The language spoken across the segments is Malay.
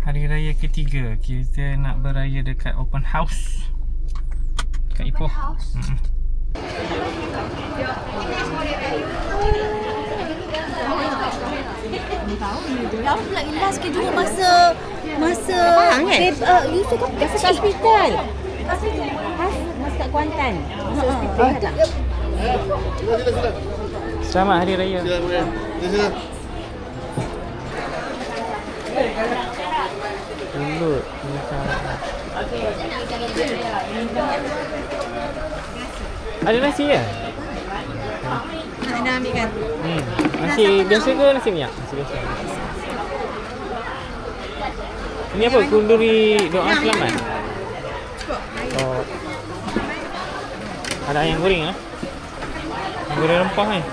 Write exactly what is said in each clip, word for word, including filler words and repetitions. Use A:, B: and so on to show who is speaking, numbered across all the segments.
A: Hari Raya ketiga. Kita nak beraya dekat open house dekat Ipoh. Hmm.
B: Tahu pula Ilas ke juga masa masa
C: Faham kan?
B: uh, Yusuf kan
C: Kat hospital. Has masa kat Kuantan. Masa hospital tak?
A: Selamat Hari Raya.
D: Sila, sila.
A: Mulut. Ada nasi ya?
C: Nak nak ambil kan?
A: Hmm. Nasi biasa ke nasi minyak? Nasi biasa. Ini apa? Kunduri doa selamat. Oh. Ada ayam goreng ah. Goreng rempah ni.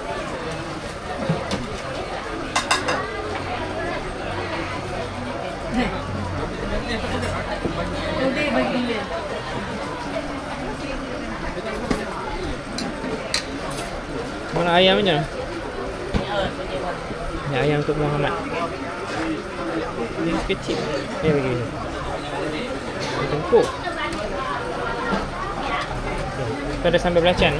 A: Mana ayam macam mana? Ni ayam untuk Muhammad. Dia kecil. Ni bagi. Tengkuk. Kita ada sambal belacan.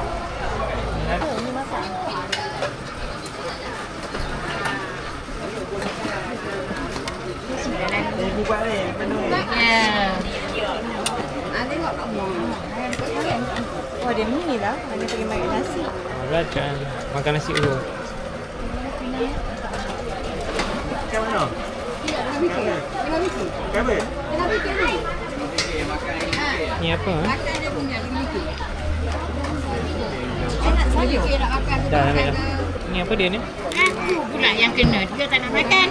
C: Oh dia ni lah. Hanya pergi makan nasi.
A: Belacan. Makan nasi dulu.
D: Kat mana?
A: Ni apa? Eh?
B: Sayur.
A: Dah ambil dah. Ni apa dia ni?
B: Aku pula yang kena. Dia tak nak makan.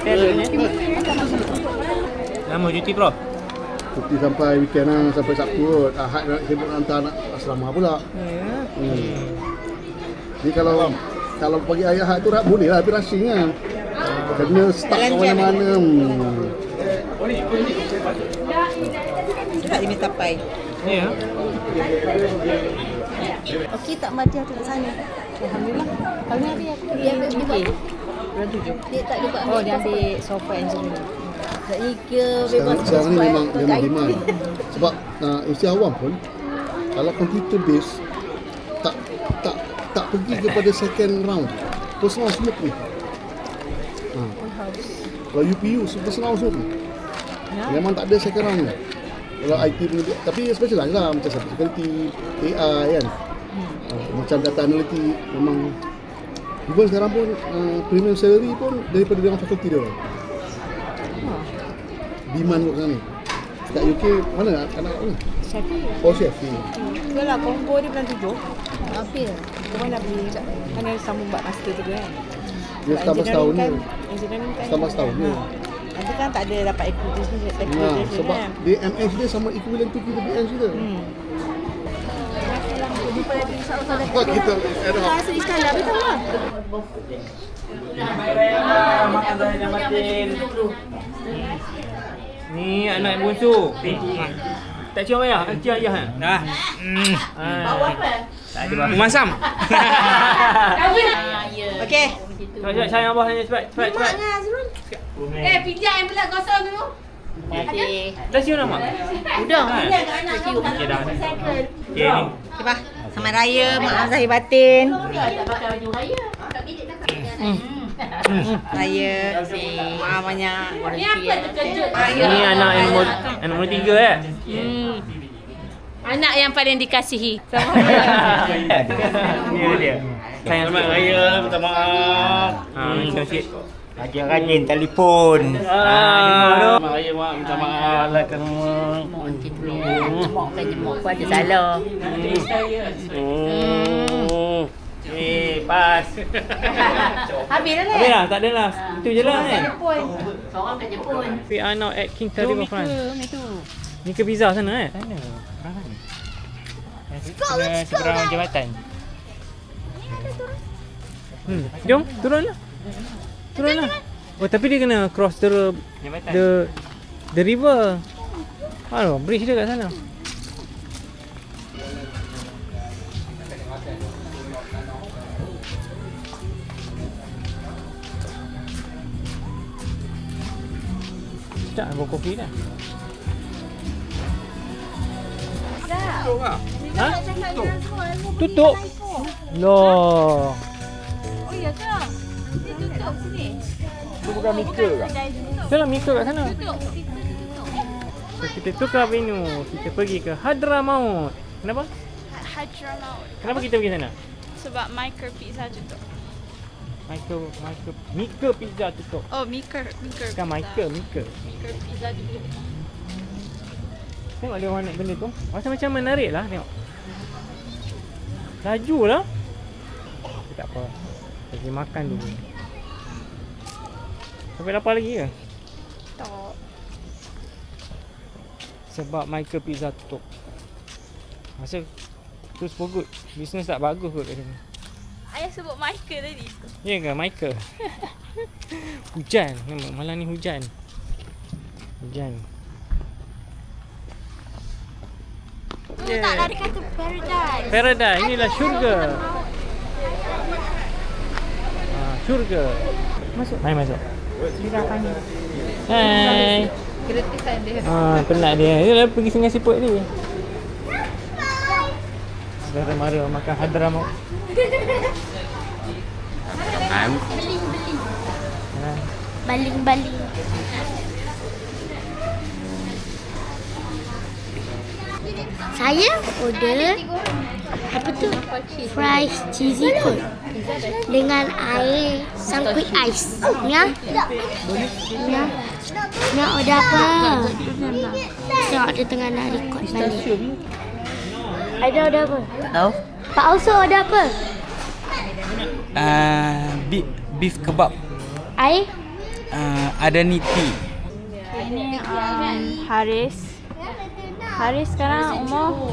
A: Lama cuti Prof?
D: Cuti sampai weekend lah, sampai Sabtu kot. Ahad nak sibuk hantar anak asrama pula.
C: Ya.
D: Hmm. Jadi kalau kalau pagi ayah Ahad tu boleh lah, tapi rushing kan. Kena start kat mana-mana. Hmm.
C: Tak dia minta pai.
A: Ya.
B: Okey tak Madia tu kat sana.
C: Alhamdulillah. Tahun ni habis aku pergi
B: Dia
C: U
B: ambil
C: K.
B: buat apa?
C: Bulan tujuh.
B: Dia tak dapat
C: Oh dia ambil software engineering.
B: Tak ni ke bebas
D: Sekarang, sekarang ni
B: sebab
D: memang
B: apa,
D: memang
B: I T.
D: demand. Sebab uh, usia awam pun kalau computer base tak tak tak pergi kepada second round. Personal semua ni. Ha. Kalau U P U personal semua.
C: Ya.
D: Memang tak ada second round ni. Kalau I T punya, tapi specialize lah macam cyber security, A I kan. Hmm. Uh, macam data analytic memang even sekarang pun uh, premium salary pun daripada dengan fakulti dia.
C: Oh.
D: Demand kat sana ni. Kat U K mana anak ni?
C: Sheffield.
D: Oh Sheffield.
C: Betul lah, combo dia bulan tujuh.
B: Apil.
C: Kita pun nak beli mana sambung buat master tu kan.
D: Dia
C: Sebab
D: setahun setahun ni.
C: engineering kan, engineering kan
D: Setahun setahun ni.
C: ha. Nanti kan tak ada dapat equity ni,
D: Nah,
C: equity
D: sebab
C: kan.
D: D M S dia sama equivalent to P W S kita.
C: Hmm.
D: Sebab kita ada hak.
C: Rasa Iskandar betul lah.
A: Makan dah jam batin. Ni anak yang bungsu. Tak cium ayah? Cium ayah kan? Dah. Hmm. Bawa apa? Tak ada bang. Masam.
C: Okey.
A: Cepat cepat sayang abah tanya cepat cepat cepat.
B: Eh, pijak yang pula kosong tu.
C: Okey.
A: Dah cium dah mak?
B: Udah.
A: Okey dah. Okey ni.
C: Okey bah. Selamat raya, maaf zahir batin.
B: Tak pakai baju raya. Tak bilik dah tak
C: Raya. Maaf banyak.
B: Ni apa terkejut?
A: Ni anak yang nombor yang nombor tiga eh.
B: Hmm. Anak yang paling dikasihi.
A: Dia dia. Sayang
D: Selamat raya, minta maaf.
A: Ha, macam sikit.
E: Rajin-rajin telefon.
A: Ah,
D: Selamat raya mak, minta maaf lah semua.
B: Jemok kan jemok pun ada salah.
A: Hmm. Eh, pas.
B: Habis dah
A: Habis dah, tak ada lah. Itu je lah kan.
B: Jepun. Seorang kat Jepun.
A: We are now at King Tarifa France.
C: Itu.
A: Ni ke pizza sana eh?
E: Sana. Sebelah seberang jambatan.
A: Hmm. Jom, turunlah. Turunlah. Oh, tapi dia kena cross the
E: Jambatan.
A: the the river. Aduh, bridge dia kat sana. Tak, bawa kopi dah.
B: Tutup
A: Ha?
B: Tutup.
A: Tutup? Loh.
B: Oh iya ke? Dia tutup sini.
E: Itu bukan Mika ke?
A: Itulah Mika kat sana.
B: Tutup. Kita tutup.
A: So, kita tukar venue. Kita pergi ke Hadramaut. Kenapa?
F: Hadramaut.
A: Kenapa kita pergi sana?
F: Sebab Micro Pizza tutup.
A: Michael, Michael, Mika Pizza tutup.
F: Oh, Micro, Micro
A: Bukan Michael, Mika.
F: Micro Pizza tutup.
A: Tengok dia orang naik benda tu. Rasa macam menarik lah tengok. Laju lah. Tapi tak apa. Pergi makan dulu. Sampai lapar lagi ke?
F: Tak.
A: Sebab Michael Pizza tutup. Rasa terus for good. Bisnes tak bagus kot kat sini.
F: Ayah sebut Michael tadi.
A: Ya ke Michael? Hujan. Nampak malam ni hujan. Hujan.
B: Tu tak lah dia kata paradise.
A: Paradise. Inilah syurga. Ah, syurga. Masuk. Hai masuk. Hai.
F: Gratisan dia.
A: Ah, penat dia. Dia dah pergi Sungai Siput ni. Saudara mara makan Hadramaut.
B: Baling-baling. Saya order apa tu? Fries cheesy corn dengan air sangkut ais. Ya? Ya. Nak order apa? Tengok dia tengah nak record balik. Ada order apa?
G: Tak tahu.
B: Pak Auso order apa?
G: Uh, beef, beef kebab.
B: Air?
G: Uh, ada niti.
F: Ini um, Haris. Haris sekarang umur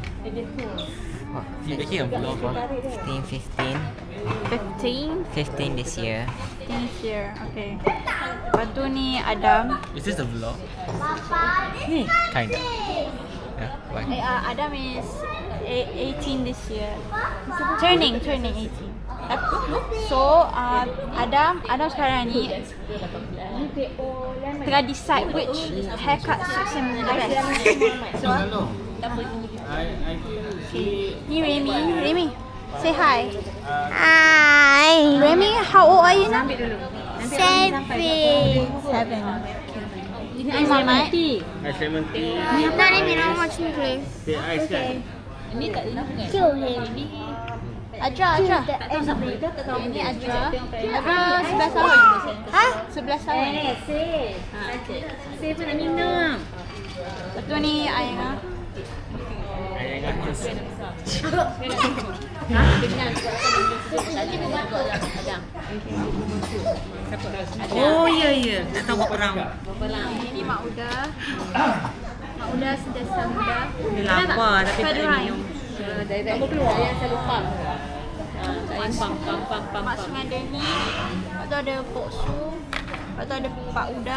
G: fifteen, fifteen.
F: fifteen.
G: fifteen this year.
F: fifteen this year. Okay. Lepas tu ni Adam.
G: Is this a vlog? Kinda. Yeah, why?
F: Eh, uh, Adam is a- eighteen this year. Turning, turning eighteen. So, uh, Adam, Adam sekarang ni tengah decide which haircut suits him the best. So, ni Remy, Remy, say hi.
B: Hi.
F: Remy, how old are you now?
B: Seven.
F: Seven. Ini ais lemon tea.
A: Ais lemon tea.
B: Tak ada minum macam tu.
A: Teh ais kan?
B: Kill him.
F: Ajra, Ajra. Ini Ajra. Ajra sebelas tahun. Ha? sebelas tahun.
C: Saya pun nak minum.
F: Betul ni Ayah.
C: Oh ya ya. Tak tahu berapa round.
F: Ini Mak Uda. Mak Uda sentiasa muda.
C: Dia lapar tapi tak boleh minum.
F: Kamu keluar. Saya lupa.
C: Saya pam pam pam pam.
F: Mak Sungai Deni. Lepas tu ada Pok Su. Lepas tu ada Pak Uda.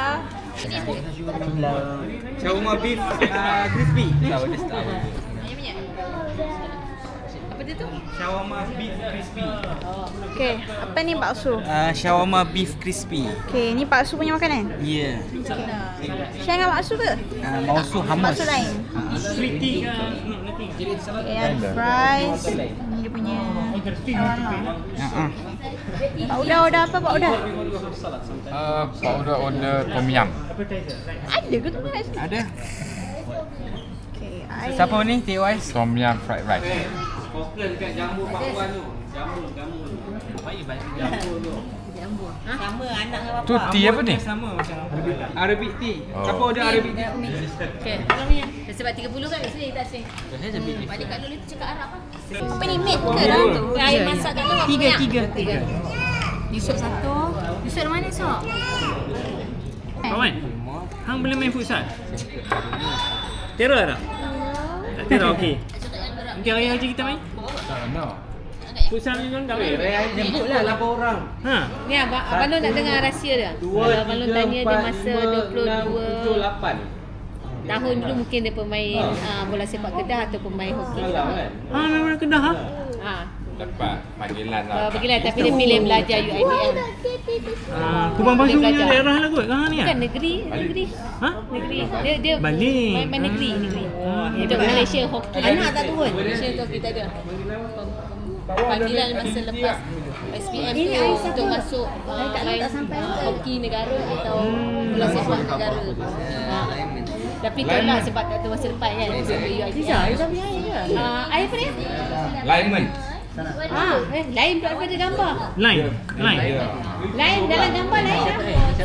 E: Shawarma beef uh, crispy.
F: Ayam minyak.
C: Apa dia tu?
E: Shawarma beef crispy.
F: Okey, apa ni bakso?
G: Uh, shawarma beef crispy.
F: Okey, ni bakso punya makanan.
G: Yeah.
F: Share dengan bakso ke?
G: Uh, mausu hummus.
F: Bakso lain.
A: Sweet tea ke?
F: Okey, ada fries. Ni dia punya shawarma.
G: Uh-uh.
F: Pak Uda order apa Pak Uda?
H: Uh, Pak Uda order tom yum.
F: Ada ke tu kat sini?
G: Ada.
F: Okey, I
G: Siapa ni? T Y S?
H: Tom yum fried rice.
E: Fokus dekat jambu Pak Wan tu. Jambu, jambu. Baik baik jambu tu.
C: Sama anak dengan
H: Tu tea apa ni?
E: Sama macam Arabic tea.
H: Oh.
E: Siapa order Arabic tea?
C: Okey, tolongnya. Sebab tiga puluh kan sini tak sini. Balik kat dulu tu cakap Arab apa?
F: apa ni meat ke dalam tu?
C: Air masak kat tu apa
F: Tiga,
C: banyak?
F: tiga.
C: Tiga. Yusuf satu. Yusuf dari mana Sok?
A: Kawan, hang boleh main futsal? Terror tak? Tak terror, okey. Nanti hari haji kita main? Futsal ni kan tak main?
E: Jemputlah lapan orang.
A: Ha?
C: Ni abang abang Long nak dengar rahsia dia.
E: Dua,
C: Kalau abang Long
E: tiga,
C: tanya dia
E: empat,
C: masa
E: lima,
C: dua puluh
E: enam,
C: dua
E: tujuh, lapan.
C: tahun dulu mungkin dia pemain uh, bola sepak Kedah atau pemain hoki.
E: Salah kan?
A: Ha, memang Kedah ha?
C: Ha.
H: dapat panggilan
C: Uh,
H: lah.
C: Pergilah tapi dia pilih belajar U I D M.
A: Ah, Kubang Pasu
C: Dia
A: punya
C: belajar.
A: daerah lah kot. Kan ni ah.
C: Bukan negeri, negeri.
A: Ha?
C: Negeri. Dia dia
A: Balik.
C: main, main negeri, negeri.
A: Oh,
C: Untuk Malaysia hoki.
B: Anak tak turun.
C: Malaysia tu kita ada. Panggilan masa lepas S P M tu untuk masuk uh, line hoki negara atau bola sepak negara. Ha. Tapi tu lah sebab tak tahu masa depan kan. Sebab U I D M. Ah, air apa dia?
H: Lineman.
C: Ah, eh, lain daripada gambar.
A: Line. Line.
C: Lain dalam gambar lain dah.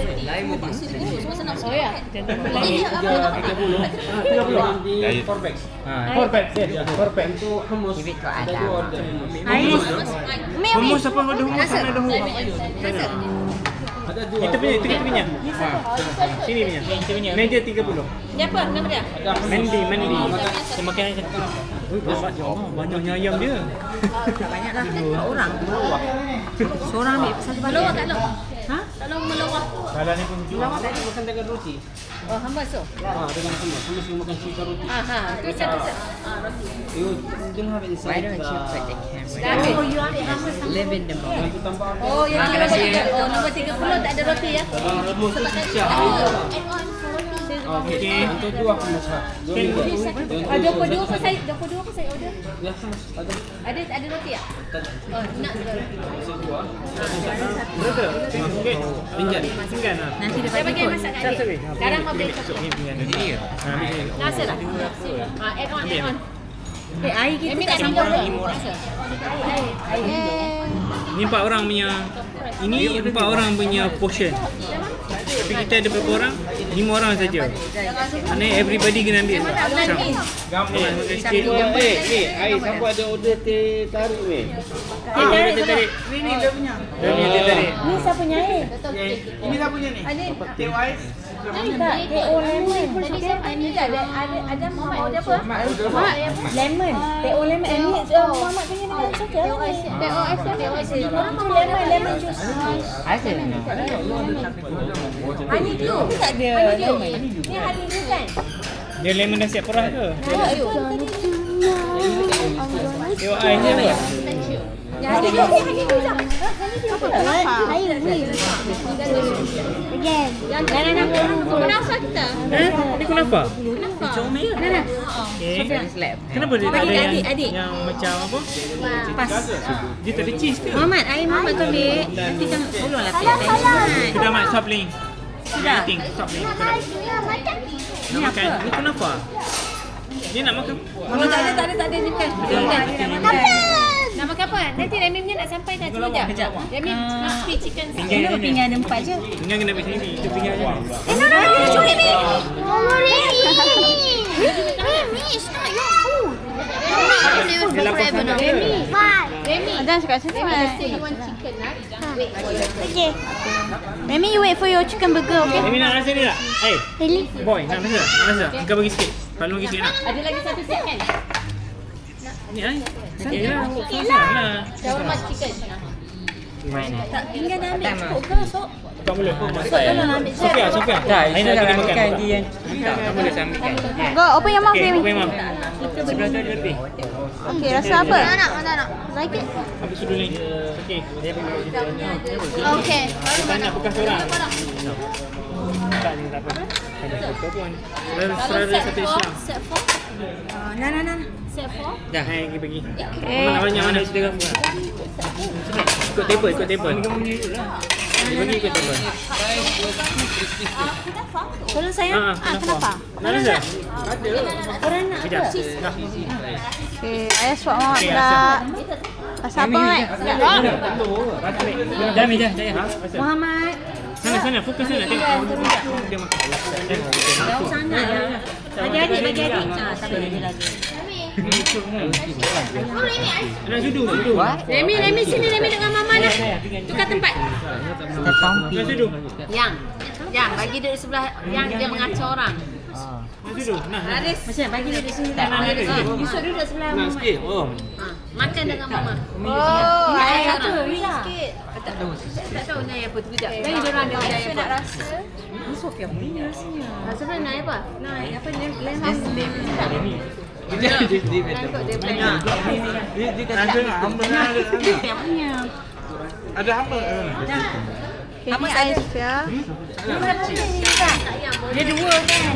C: Oh ya.
B: Ini apa?
A: tiga puluh. tiga puluh.
H: Dari
A: Ha, four pack. four pack.
E: Hummus.
F: Umi, Umi.
A: Hummus apa ada hummus sana ada hummus.
E: Ada dua.
A: Itu punya, itu kita punya. Ha. Sini punya. Kita punya. Meja tiga puluh.
C: Dia apa nama dia?
A: Mandi, mandi. Saya makan aja. Ui, banyak oh, banyaknya ayam dia.
B: Banyak lah. Dua orang. Seorang ambil satu bagian.
C: Melawak tak long? Ha? Tak long melawak.
A: Kalau ni pun
E: Lawak tadi makan dengan roti.
C: Oh, hamba so.
E: Ah, dengan hummus. Hummus you makan chicken roti.
C: Ah ha, tu satu satu. Ah, roti.
E: You don't have it inside.
I: Why don't you put the camera?
C: Oh, you ambil hamba sama.
I: Live in the moment.
E: You tambah apa?
C: Oh, yang nombor tiga. Oh, nombor tiga puluh tak ada roti ya?
E: Ah, hummus tu siap.
A: okey.
E: Untuk dua hummus lah. Dua minggu.
C: Ah, dua puluh dua ke saya? dua puluh dua ke saya order?
E: Ya, hummus. Ada.
C: Ada ada roti tak? Oh, nak juga roti.
A: Betul. Okey. Pinjam. Singgan ah.
B: Nanti dia
C: Saya
B: bagi
C: bagi
B: kot.
C: masak kat adik. Sekarang mau beli satu.
A: Ha, ni.
C: Rasa tak? Ah, add on, add on.
B: Eh, air kita
C: Amy
B: tak
C: nak
B: sampai
C: minum
B: lagi.
C: rasa. Air, air.
A: Ni empat orang punya. Ini empat orang punya portion. Tapi kita ada berapa orang? Lima orang saja. Mana everybody kena ambil. Macam.
E: Gambar.
A: Eh, makan sikit.
E: Eh, eh, air siapa ada order teh tarik weh?
A: Ah, dia tarik. Ni ni dia punya. Dia punya dia tarik.
B: Ni siapa punya air?
E: Ini siapa punya ni? Teh ais.
B: Tak, T O lemon.
C: Tadi saya ada ada ada ada Muhammad order apa?
B: Mak, lemon. T O lemon. Eh, ni uh, Muhammad punya dengan Sofia lah ni.
C: T O S T O S.
B: Orang mahu lemon, lemon juice.
I: Ada.
B: Honey dew tak ada lemon.
C: Ni hari ni kan?
A: Dia lemon dah siap perah ke?
C: Ayo.
A: Tengok air ni apa?
C: Ya, hari ni hari ni dah.
B: Air ni. Again.
C: Yang dah dah dah. Kenapa kita?
A: Eh, ni kenapa?
B: Comel.
C: Dah dah.
A: Okay. Kenapa dia tak
B: Bagi
A: ada
B: kat
A: yang,
B: adik, adik.
A: yang macam apa?
B: Pas.
A: Dia tak ada cheese ke?
B: Muhammad, air Muhammad tu ambil. Nanti kan tolonglah pek teh.
A: Kita mak stop playing.
B: Sudah.
A: Eating, stop playing. Nak makan? Ni kenapa? Dia nak makan?
C: Oh, tak ada tak ada tak ada ni bukan. Bukan. Nak makan apa? Nanti Remy punya nak sampai dah tunggu jap. Remy nak free chicken.
B: Kenapa pinggan ada empat je?
A: Tinggal kena pergi sini. Itu pinggan je.
B: Eh, no, no, no, curi ni.
F: Oh, Remy. Remy, it's not your food.
A: Dia lapar sangat ke?
C: Remy.
F: Jangan cakap macam tu.
C: Say you want chicken lah. Wait.
F: Okay. Remy, you wait for your chicken burger, okay?
A: Remy nak rasa ni tak? Eh,
F: Really?
A: boy, nak rasa? Nak rasa? Engkau bagi sikit. Kalau bagi sikit nak.
C: Ada lagi satu set kan?
A: Ni ai. Sikit lah. Sikit lah.
C: Shawarma chicken.
B: Tak, pinggan dah ambil cukup ke, Sok?
A: Tak boleh.
B: Tolonglah ambil je.
A: Sofia, Sofia.
G: Tak,
A: Air
G: itu
A: nak
G: dah
A: kena makan.
G: makan dia yang tak, tak boleh saya ambilkan.
F: Go, open your mouth,
A: Okay,
F: Remy.
A: open mouth. Sebelah tu ada lebih.
F: Okay, rasa apa? Mana nak, mana nak? Like it?
A: Ambil sudu ni. Okey. Dia pergi situ.
F: Okay.
A: Tak nak bekas orang. Tak ni tak apa. Ada foto pun. Saudara saudara satu Islam.
C: Set four.
B: Nah, nah, nah.
C: Set four.
A: Dah, hai pergi pergi. Mana banyak mana cerita kamu. Ikut table, ikut table. Pergi ikut table.
B: Tolong sayang.
A: Ah, kenapa? Nak rasa?
B: Korang nak
A: Sekejap.
B: apa?
A: Dah.
F: Okay, ayah swap Muhammad
A: Okay,
F: pula. Rasa apa, Mat?
A: Dah meja, dah.
B: Muhammad.
A: Sana sana, fokus sana. Tengok. Dia makan.
B: Jauh sangat lah. Bagi adik, bagi adik. Ah, tak boleh lagi.
A: Nak sudu, sudu.
C: Remy, Remy sini Remy dengan mama lah. Tukar tempat.
A: Nak sudu.
C: Yang. Yang bagi duduk sebelah yang dia mengacau orang.
A: Nak sudu. Nah.
C: Haris.
B: Macam bagi dia di sini tak?
C: Ah, Yusuf duduk sebelah
E: Nak
C: mama.
E: sikit. Oh.
C: Ah, makan dengan mama.
F: Oh,
C: Nak
F: ayah
C: apa?
F: tu.
C: Sikit. Tak tahu. Tak tahu nak apa tu kejap. Bagi dia orang dia nak nak rasa.
B: Ni Sofia punya rasanya.
C: Rasa apa nak apa? Nak apa lem lem.
A: Ini.
E: Dia dia dia betul. Banyak. Dia dia kata hamba ada.
F: Yang punya.
E: Ada hamba.
F: Okay, ni ais dia.
B: Dia dua kan.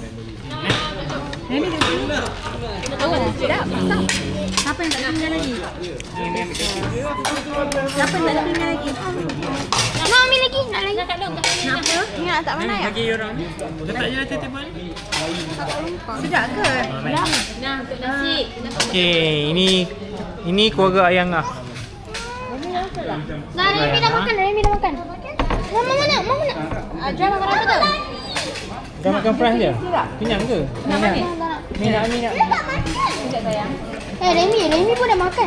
B: Ini dia dua.
F: Oh, sedap.
B: Siapa yang tak tinggal lagi? Siapa yang tak tinggal lagi?
F: Nak ambil lagi, nak lagi. Nak apa? Ingat tak mana ya?
A: Bagi orang ni. Letak je atas table ni.
B: Sedap ke?
C: Nah, untuk nasi.
G: Okey, ini ini keluarga Ayang ah.
F: Nah, Remy dah makan, Remy dah makan. Mama mana? Mama nak. Ah, Jom makan apa tu?
G: Dah makan fresh dia? Kenyang ke?
F: Nak mana?
G: Ni nak ni nak.
F: Eh, Remy, Remy pun dah makan.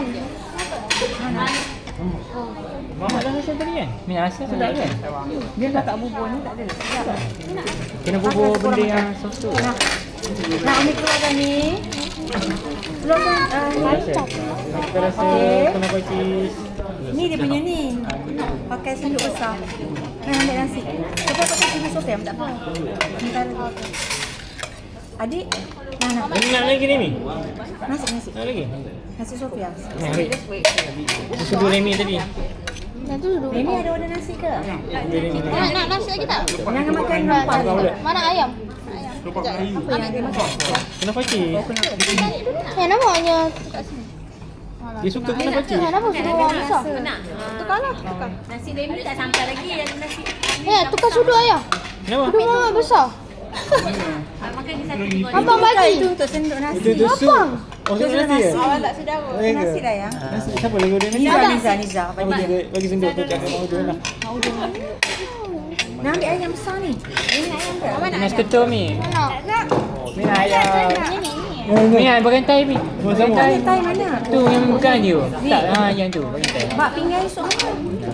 G: Mamak dah rasa tadi kan? Ni rasa sedap kan?
B: Dia dah tak bubur ni, tak ada. Sedap.
G: Kena bubur benda yang sosu.
B: Nak Umi keluarkan ni. Keluarkan uh,
G: Rasa. Kita rasa kena pakai cheese.
B: ni dia punya ni. Pakai sendok besar. Nak ambil nasi. Lepas pakai sini Sofiam, tak apa. Sementara tu. Adik, nah, nak
A: Ini nak lagi ni?
B: nasi nasi.
A: Nak lagi?
B: Nasi Sofiam.
A: Ni ambil. Susu dua Remy tadi.
F: Dah tu dulu.
B: Remy ada order nasi ke?
F: Nak, nak nasi lagi tak?
B: Jangan makan rempah.
F: Mana ayam?
B: Apa yang dia makan?
A: Kena pakai.
F: Eh, namanya.
A: Dia suka kena pakai.
F: Eh, nama sudu orang besar?
C: Nak.
F: Tukar lah, tukar.
C: Nasi Remy tak sampai lagi yang nasi.
F: Eh, tukar sudu ayah.
A: Kenapa?
F: Sudu mama besar.
C: Ah, makan di satu tiga.
F: Abang bagi.
B: Itu untuk sendok nasi.
A: Itu tu sup.
F: Abang.
A: Oh, sup nasi ya?
B: Awak tak sedap. Nasi dah ya.
A: Nasi siapa lagi order nasi?
B: Niza, Niza, Niza.
A: Bagi dia bagi sendok tu cakap mau order lah.
B: Nak ambil ayam besar ni. Ini ayam ke?
G: Nasi ketum ni.
F: Nak.
G: Ni ayam.
F: Ini, ini.
G: Ni ayam berantai ni. Berantai.
B: Thai mana?
G: Tu yang bukan dia. Tak, ha yang tu berantai.
B: Mak pinggan esok apa?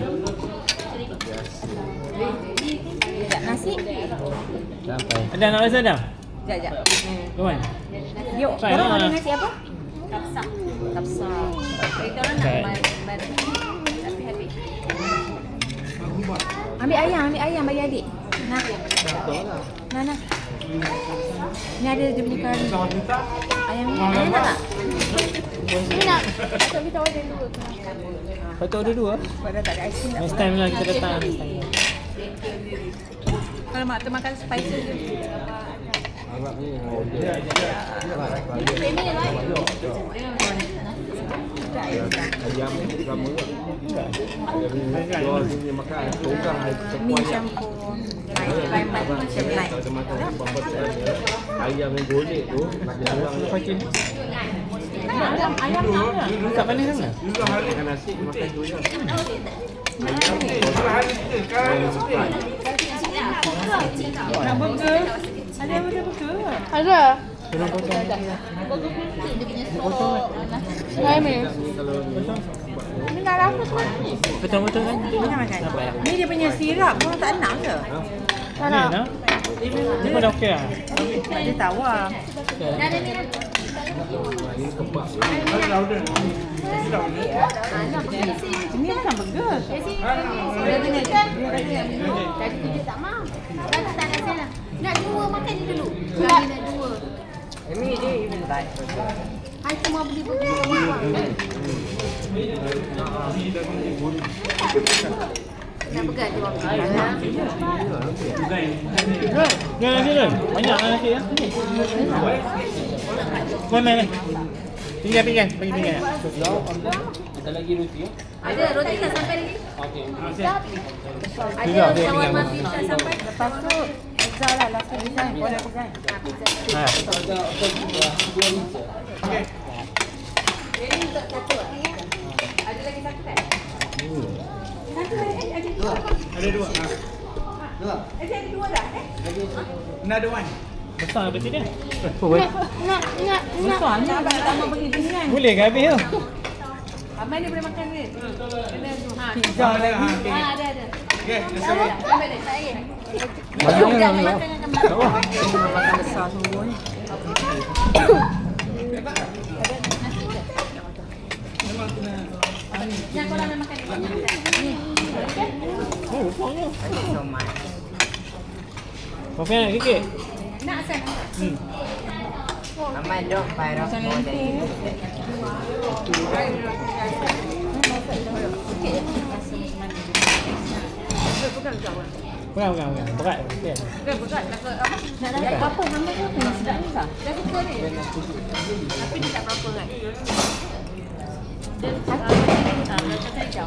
B: Sekejap, nasi.
G: Sampai.
A: Ada nak rasa dah?
B: Sekejap, sekejap.
A: Come on.
B: Dia
A: Try
B: orang
A: lah.
B: order nasi apa?
C: Kapsa.
B: Kapsa.
C: Kita orang nak
A: Okay.
C: baru. Tapi habis.
B: Ambil ayam, ambil ayam bagi adik. Nah. Nah, nah. Ni ada dia punya kari. Ayam ni, ayam nak tak?
F: Ini nak. Tapi tak ada dulu.
A: Patut order dua.
B: Sebab dah tak ada aiskrim tak
A: Next time lah kita datang next time.
B: Kalau mak tu makan spicy je. Mi campur. Lain macam lain.
E: Ayam yang golek tu
A: Pakai. Ayam ayam nak. Tak panas sangat.
E: makan nasi makan tu je.
B: Nak burger? Ada ada burger?
F: Ada.
A: Tolong potong.
F: Remy.
B: Ni dah rasa tu.
A: Potong-potong kan?
B: Mana makan? Ni dia punya sirap pun tak nak ke?
F: Tak nak.
A: Nak? Ni pun dah okey lah.
B: Dia tawar. Ini bukan burger.
C: Tadi dia tak mau. Kan tak nak sana. Nak dua makan ni dulu. Kami nak dua.
I: Ini dia even tak.
C: Hai semua beli burger semua. Nak pegang je waktu.
A: Ni nasi tu. Banyak lah nasi ya. Main main main. Pinggan pinggan, bagi pinggan.
E: Ada lagi roti ya?
C: Ada roti tak sampai lagi?
E: Okey.
C: Ada shawarma beef tak sampai.
B: Lepas tu pizza lah, last design, boleh design.
A: Ha.
C: Ini untuk satu. Ada lagi satu kan?
E: Ada dua. Dua. Another one.
A: Besar berarti dia.
G: Oh, boleh.
F: Nak, nak, nak.
B: Besar ni abang nak tambah pergi sini kan?
A: Boleh ke habis tu?
C: Abang ni boleh makan ni. Kena tu. Ha.
B: Pizza lagi.
C: Ha, ada ada.
E: Okey, let's go.
C: Ambil dia. Tak lagi.
G: Banyak ni.
B: Makan besar semua ni.
C: Nak korang nak makan ni.
A: Oh, besarnya.
I: So much.
A: Kau nak sikit?
C: Nak asal nak.
A: Hmm.
I: Aman dok, Fairah semua dari.
A: Bukan, bukan, bukan. Berat. Okay.
B: Nak dapat apa? Hamba tu apa yang sedap ni tak?
C: Dah suka ni. Tapi dia tak berapa kan. Dia ah, dah cakap hijau.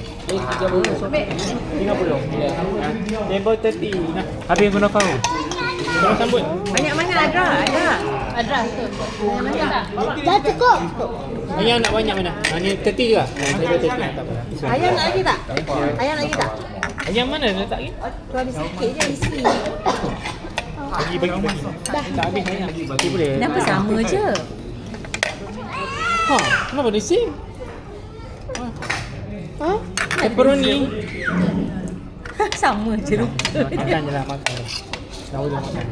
A: tiga puluh. Table thirty. Nah, habis guna kau. Kau sambut.
B: Banyak mana ada? Ada.
C: Adra tu.
B: Dah cukup.
A: Ayam nak banyak mana? Ha, ni thirty juga. Ha, table thirty. Tak apa.
B: Ayam nak lagi tak? Ayam nak lagi tak?
A: Ayam mana letak lagi?
B: Tu ada sikit je isi.
A: Bagi, bagi, bagi. Tak habis ayam. Bagi boleh.
B: Kenapa sama je?
A: Ha, kenapa dia same?
B: Ha?
A: Pepperoni.
B: Sama je rupa.
A: Makan je lah, makan. Tahu dia makan.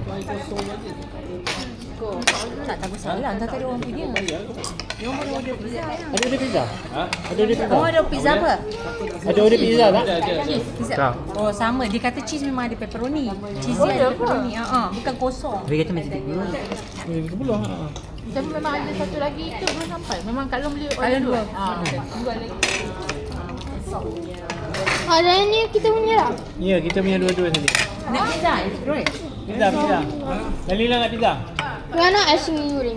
B: Tak tahu salah, entah tadi orang punya. Dia orang boleh order pizza.
A: Ada order pizza? Ha? Ada order pizza?
B: Oh, ada pizza apa?
A: Ada order pizza tak?
B: Pizza.
A: Tak.
B: Oh, sama. Dia kata cheese memang ada pepperoni. Cheese oh, ada pepperoni. Ha ah, bukan kosong.
I: Dia kata macam tu.
A: Eh, tiga puluh. Ha.
C: Tapi memang ada satu lagi tu belum sampai. Memang Kak Long beli
B: Kak
C: order
B: Long
C: dua.
B: dua.
C: Ha, dua lagi.
F: Ada ni kita punya lah.
A: Ya, kita punya dua-dua tadi.
B: Nak pizza? Roy.
A: Pizza, pizza. Dalila nak pizza?
F: Kau nak asyik goreng.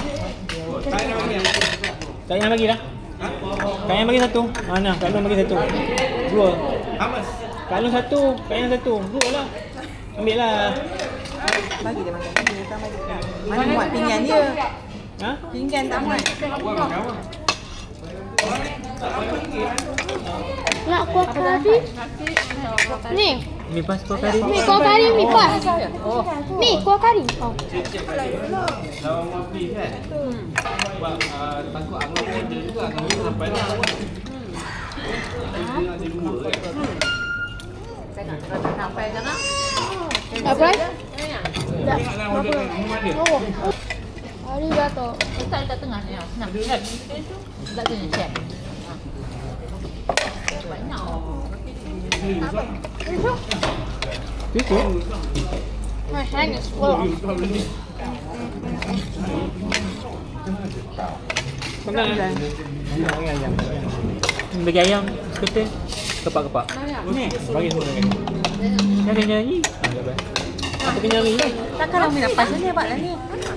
A: Kak Yang bagi dah. Kak Yang bagi satu. Mana? Kak Long bagi satu. Dua. Kak Long satu, Kak Yang satu. Dua lah. Ambil lah.
B: Bagi dia makan. Dia tak bagi. Mana muat pinggan dia?
A: Ha?
B: Pinggan tak muat.
F: Nak kuah kari. Ni.
A: Mi pas kau kari.
F: Ni kuah kari mi pas. Ni kuah kari. Oh.
E: Lawan Mafi kan? Sebab uh, takut Angah order juga, Angah order sampai dah. Dia nak jadi dua kan?
C: Sampai jangan.
F: Apa?
E: Tengoklah order kan, rumah dia.
F: Oh. Arigato.
C: Letak dekat tengah ni. Senang. Kan? Letak sini check. Banyak.
A: Itu.
F: My hand is full.
A: Senang kan? Bagi ayam. Bagi ayam. Seketul. Kepak-kepak. Ni. Bagi semua lagi. Jangan kenyang lagi. Ha, dah baik. Apa kenyang lagi?
B: Takkan Umi nak pas ni buat lah ni.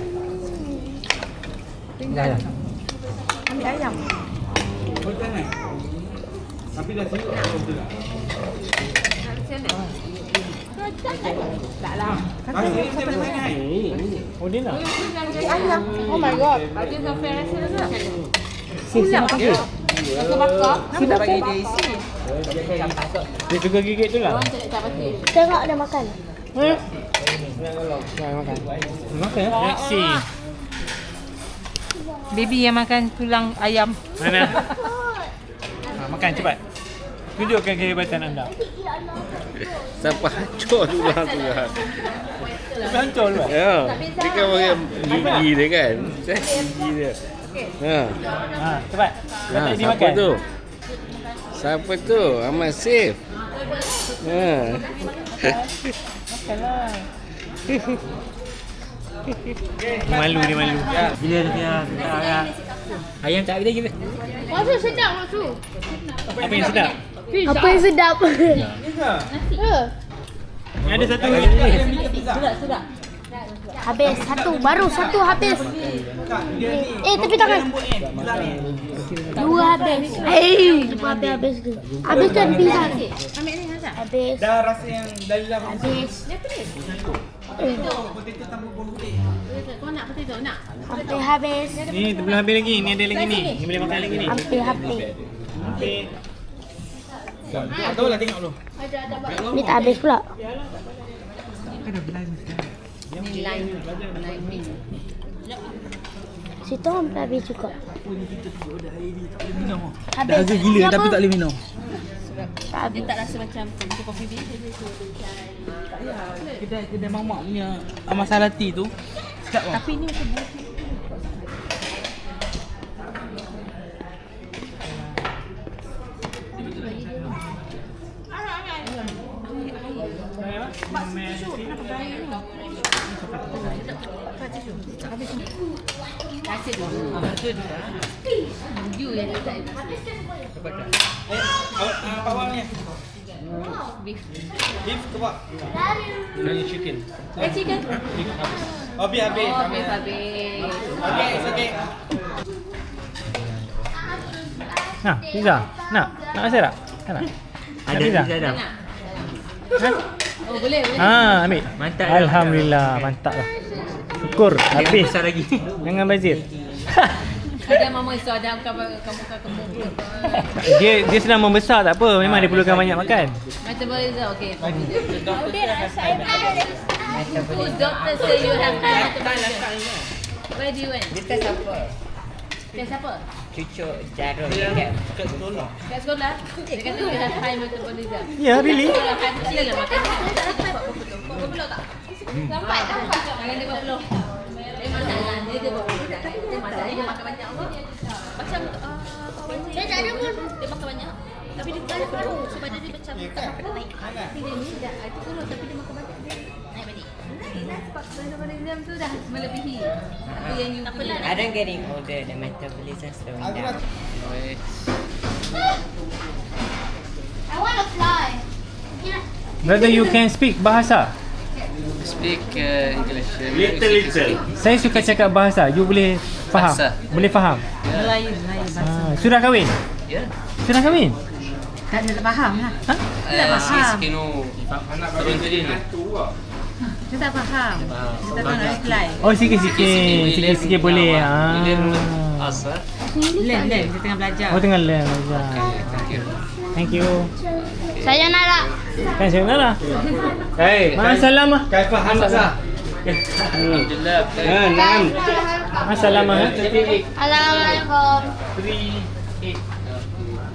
A: Dah dah.
B: Ambil ayam.
E: Oh, jangan. Tapi dah siap nak order tak?
C: Tak lah.
E: Masih dia boleh sangat.
A: Oh, dia nak?
B: Ayam.
F: Oh my god.
C: Ada sampai rasa tak?
A: Siap pakai.
C: Rasa bakar.
B: Kenapa tak bagi dia isi?
A: Dia suka gigit tu lah.
C: Orang tak tak pasti.
F: Tengok dia makan.
A: Eh? Jangan makan. Makan ya? Reaksi.
B: Baby yang makan tulang ayam.
A: Mana? Ha, makan cepat. Tunjukkan kehebatan anda.
H: Sampai hancur tulang tu lah.
A: Sampai hancur lu.
H: Ya. Dia kan pakai gigi dia kan. Saya gigi dia. Ha.
A: Ha, cepat.
H: Ha,
A: Letak dia
H: siapa
A: makan.
H: tu? Siapa tu? Ahmad Sif. Ha.
A: Makanlah. Dia malu, dia malu. Bila dia ayam. Ayam tak ada kita.
F: Maksud sedap maksud.
A: Apa yang sedap?
F: Apa yang sedap? Ya.
A: Yang ada satu lagi.
B: Sedap, sedap.
F: Habis satu, baru satu habis. Eh, tapi tangan. Dua habis. Eh, habis habis tu. Habiskan pizza.
B: Ambil ni Hazat.
F: Habis.
E: Dah rasa yang Dalila
F: Habis.
C: Kau nak potato nak?
F: Hampir habis.
A: Ni belum habis lagi. Ni ada lagi ni. Ni boleh makan lagi ni.
F: Hampir habis.
A: Habis.
E: tak tahu lah, tengok dulu.
F: Ni tak habis pula.
C: Ni line. Line mix.
F: Situ hampir habis juga.
I: Dah habis gila tapi tak boleh minum.
F: Tak habis.
C: Tak rasa macam macam coffee bean.
I: Kedai kedai mamak punya amasalati tu. Sedap lah.
B: Tapi ni macam buah.
A: Habis.
C: Malaysia dulu. You yang tak ada.
I: Eh, awak uh, bawangnya.
C: Beef.
I: Beef ke pak?
H: Nani chicken.
C: Eh, chicken?
I: Oh, beef habis.
C: Oh, beef habis.
I: Okay, it's okay.
A: Nah, pizza. Nak? Nak rasa tak? Tak nak?
E: Ada
A: pizza?
E: pizza dah.
C: Nak? Oh, boleh, boleh.
A: Ah, ambil.
E: Mantap.
A: Alhamdulillah, mantap lah. Syukur, habis.
E: Besar lagi.
A: Jangan bazir.
C: Ada mama isu ada kamu kamu kamu.
A: dia dia sedang membesar tak apa, memang dia perlukan banyak makan.
C: Metabolism, okay.
F: Metabolism.
C: Who's doctor say you have high metabolism? Where do you went?
J: Dia test apa?
C: Test apa?
J: Cucuk jarum dekat
I: Kat sekolah.
C: Kat sekolah? Dia kata you have high metabolism.
A: Ya, yeah, really?
C: Kalau high metabolism lah makan. Berapa puluh tak? Sampai tak? Jangan dia berapa puluh. Dia masalah dia dia berapa puluh tak? Dia masalah dia makan banyak apa? Macam uh, kawan saya.
F: Dia tak ada pun.
C: Dia makan banyak. Tapi dia tak ada paru. So badan dia macam tak dapat naik. Tapi dia ni dah itu puluh tapi dia makan banyak. Naik balik. Naik sebab metabolism tu dah melebihi. Apa yang you beli.
J: I don't getting older, the metabolism slowing down.
F: I want to fly.
A: Brother, you can speak bahasa?
H: Speak uh, English.
E: Little little.
A: Saya suka cakap bahasa. You boleh faham?
H: Bahasa.
A: Boleh faham?
B: Melayu, Melayu bahasa.
A: Ah, sudah kahwin?
H: Ya.
A: Sudah kahwin?
B: Tak ada faham lah.
A: Ha?
H: Uh, Sikit-sikit no. Turun tadi ni.
B: Dia tak faham. Dia tak tahu nak reply.
A: Oh, sikit-sikit. Sikit-sikit boleh. Ah.
H: Asa.
B: Learn, learn. Dia tengah belajar.
A: Oh, tengah learn. belajar.
H: Thank you.
A: Thank you.
F: Sayonara.
A: Kan saya nak lah.
E: Hey,
A: Ma'asalamah.
E: Kaifa hamza?
H: Alhamdulillah.
E: Ah, naam.
A: Ma'asalamah.
F: Assalamualaikum.
E: Three